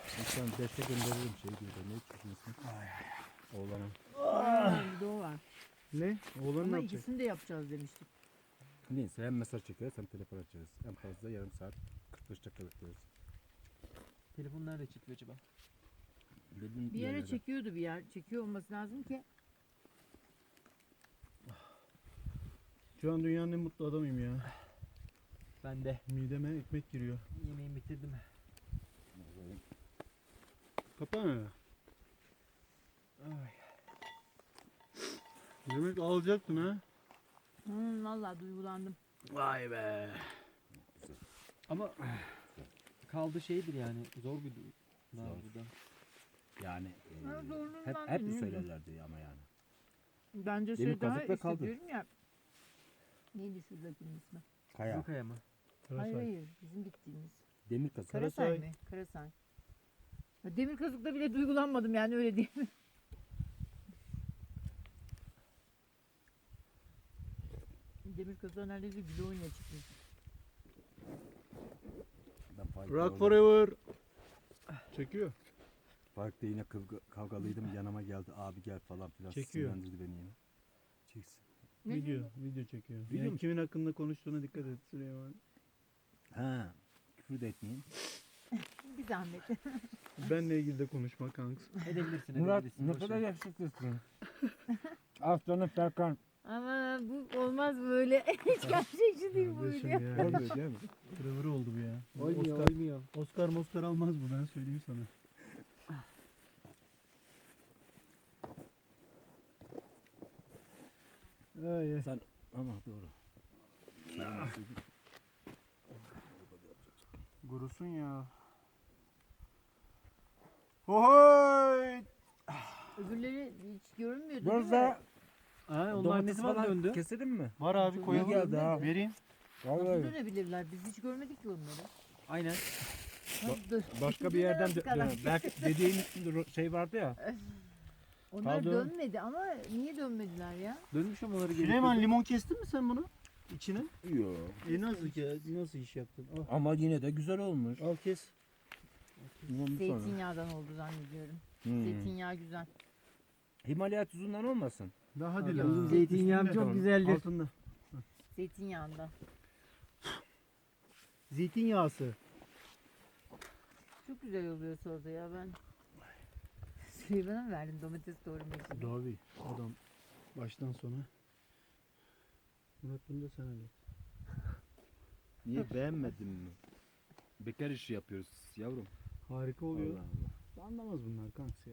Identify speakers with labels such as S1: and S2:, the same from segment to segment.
S1: İnsan 5'e gönderirim şey diyor. Ne çocuğun ismi? Oğlanın.
S2: Bir de o var.
S3: Ne? Oğlan ne
S2: Ama
S3: yapacak?
S2: ikisini de yapacağız demiştik.
S1: Neyse hem mesaj çekeriz hem telefon açarız. En fazla yarım saat 45 dakika bekleriz.
S4: Telefon nerede çekiyor acaba?
S1: Dediğim
S2: Bir yere
S1: yerlere.
S2: çekiyordu bir yer. Çekiyor olması lazım ki.
S3: Şu an dünyanın en mutlu adamıyım ya.
S4: Ben de
S3: Mideme ekmek giriyor.
S4: yemeğimi bitirdim.
S3: Kapana.
S4: Ay.
S3: Demek alacaktın ha.
S2: Vallahi duygulandım.
S3: Vay be.
S4: Ama kaldı şeydir yani zor bir durum.
S1: Zor.
S4: Burada.
S1: Yani
S2: Ha, zorluğundan
S1: hep
S2: bilmiyorum.
S1: söylerlerdi ama yani.
S2: Bence
S1: Demir
S2: şey daha
S1: kazık ve kaldır.
S2: hissediyorum ya. Neydi şuradakinin ismi?
S1: Kaya.
S4: Kaya mı?
S2: Hayır hayır. Bizim gittiğimiz.
S1: Demir kazık.
S2: Karasay
S3: Karasay.
S2: mı? Karasay. Ya demir kazıkta bile duygulanmadım yani öyle değil mi? Demir kazığa neredeyse gül oynaya çıkmış.
S1: Ben Faik'le
S3: Rock
S1: oldum.
S3: forever. Çekiyor.
S1: Faik'le yine kavgalıydım. Yanıma geldi. Abi gel falan filan.
S3: Çekiyor.
S1: Sinirlendirdi beni yine. Çeksin.
S3: Video çekiyor.
S1: Video
S3: Yani
S1: mu?
S3: kimin hakkında konuştuğuna dikkat et Süleyman.
S1: Ha. Küfür de etmeyeyim.
S2: Bir zahmet.
S3: Benle ilgili de konuşma kanks.
S4: Edebilirsin
S1: Murat
S4: edebilirsin.
S1: ne
S4: boş
S1: kadar
S4: ver.
S1: yakışıklısın. Aslanım Serkan.
S2: Ama bu olmaz böyle. Hiç gerçekçi değil bu
S3: Kardeşim
S2: video.
S3: ya.
S1: Olmuyor değil mi?
S3: Kırıvır oldu bu ya.
S4: Oymuyor
S3: Oscar,
S4: oymuyor.
S3: Oscar almaz bu, ben söyleyeyim sana. Ay, ay.
S1: Sen ama doğru.
S3: Gurusun ya. Hohoy!
S2: Öbürleri hiç görünmüyordu
S1: Burada
S2: değil mi?
S4: Ha, onlar ne
S1: domates
S4: zaman
S1: falan
S4: döndü?
S1: keselim mi?
S3: Var abi,
S2: İyi
S3: koyalım.
S1: geldi ha.
S3: Vereyim.
S2: Nasıl
S1: Vallahi.
S2: dönebilirler? Biz hiç görmedik ki onları.
S4: Aynen.
S2: Nasıl
S1: Başka bir yerden
S2: Dönemezdik adam.
S1: belki dediğin içinde şey vardı ya.
S2: Onlar
S1: Kaldı.
S2: dönmedi ama niye dönmediler ya?
S4: Dönmüş ama onları
S3: Süleyman, limon kestin mi sen bunu? İçine?
S1: Yok.
S3: Nasıl iş yaptın? Al,
S1: Ama yine de güzel olmuş.
S3: al kes.
S1: Ondan sonra.
S2: Zeytinyağdan oldu zannediyorum. Zeytinyağı güzel.
S1: Himalaya tuzundan olmasın.
S3: Daha hadi
S4: Hadi
S3: lan.
S4: benim zeytinyağım
S3: Üstünde.
S4: çok güzeldir.
S3: Altında.
S2: Zeytinyağından.
S3: Zeytinyağısı.
S2: Çok güzel oluyor sonra ya ben. Süleyman'a mı verdim domates doğramak için?
S3: Davi. Adam baştan sona. Murat, bunu da sen hallet.
S1: Niye beğenmedin mi? Bekar işi yapıyoruz yavrum.
S3: Harika oluyor.
S1: Allah Allah.
S3: Anlamaz bunlar kanks ya.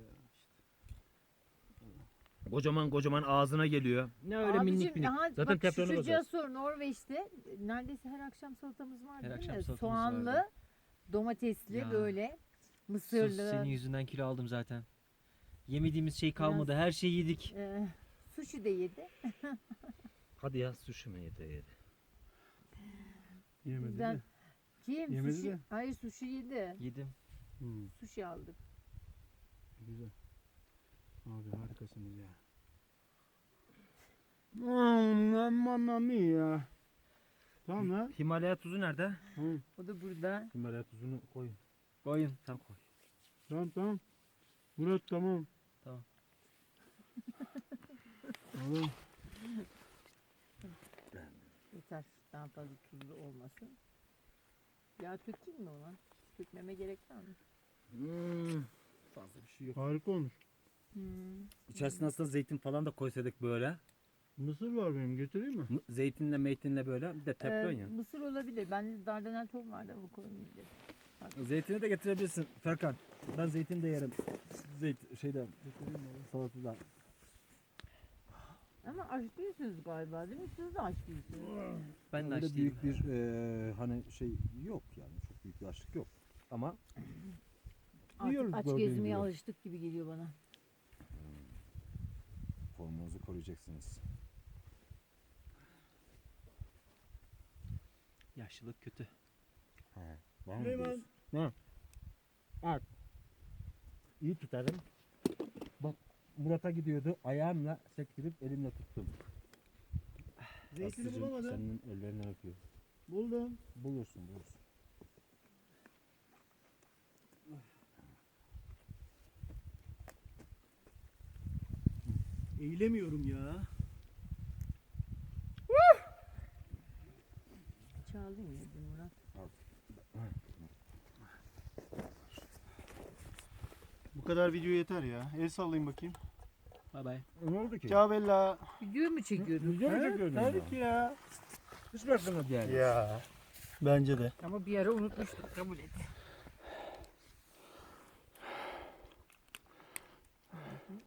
S1: Kocaman ağzına geliyor. Ne öyle
S2: Abicim,
S1: minik minik.
S2: aha,
S1: Zaten
S2: bak
S1: teflonu
S2: şu
S1: basarız.
S2: sor Norveç'te neredeyse her akşam salatamız var
S4: Her
S2: değil
S4: akşam
S2: mi?
S4: salatamız
S2: Soğanlı,
S4: vardı.
S2: domatesli
S4: Ya.
S2: böyle,
S4: Sus,
S2: mısırlı.
S4: senin yüzünden kilo aldım zaten. Yemediğimiz şey kalmadı. Her şeyi yedik.
S2: Sushi de yedi.
S1: Hadi ya sushi mi yedi?
S3: Yemedi
S2: Bizden
S3: de.
S2: kim?
S3: Yemedi
S2: Sushi.
S3: de.
S2: Hayır sushi yedi.
S4: Yedim.
S2: Sushi aldık.
S3: Güzel. Abi harikasınız ya. Mamma mia. Tamam ha.
S1: Himalaya tuzu nerede?
S2: O da burada.
S1: Himalaya tuzunu koy.
S4: Koyun.
S1: Sen koy.
S3: Tamam. Murat tamam.
S4: Tamam.
S3: Tamam.
S2: Yeter. Daha fazla tuzlu olmasın. Yağ dökeyim mi ona? Dökmeme gerek var mı?
S1: Fazla bir şey yok.
S3: Harika olmuş.
S1: İçerisine aslında zeytin falan da koysaydık böyle.
S3: Mısır var benim, götüreyim mi?
S1: Zeytinle meytinle böyle. Bir de teflon ya.
S2: Mısır olabilir. Ben dardanel tohum vardı ama koymayabilirim.
S1: Zeytini de getirebilirsin Ferkan. Ben zeytin de yerim. Şeyden. Salatada.
S2: Ama aç değilsiniz galiba değil mi? Siz de aç değilsiniz.
S4: Ben de
S1: Öyle
S4: aç değilim.
S1: büyük bir hani şey yok yani. Çok büyük bir açlık yok. Ama Yiyoruz
S2: Artık aç
S1: gördüğün
S2: gezmeye
S1: gibi.
S2: alıştık gibi geliyor bana.
S1: formunuzu koruyacaksınız.
S4: Yaşlılık kötü.
S1: Var mı
S3: Süleyman.
S1: diyorsun? Ne? Bak. İyi tutarım. Bak Murat'a gidiyordu. Ayağımla sektirip elimle tuttum.
S3: Zeytini
S1: Aslıcığım,
S3: bulamadım.
S1: senin ellerinden öpüyor.
S3: Buldum.
S1: Bulursun.
S3: Eğilemiyorum ya.
S2: Çaldın ya dün Murat.
S3: Bu kadar video yeter ya. El sallayın bakayım.
S4: Bay bay.
S1: Ne oldu ki?
S3: Ciao Bella.
S2: Video mu çekiyordun?
S1: Video mu çekiyordun?
S3: Tabii ki ya.
S1: Hiç mi aklına geldi?
S3: Ya. Bence de.
S2: Ama bir ara unutmuştuk, kabul et.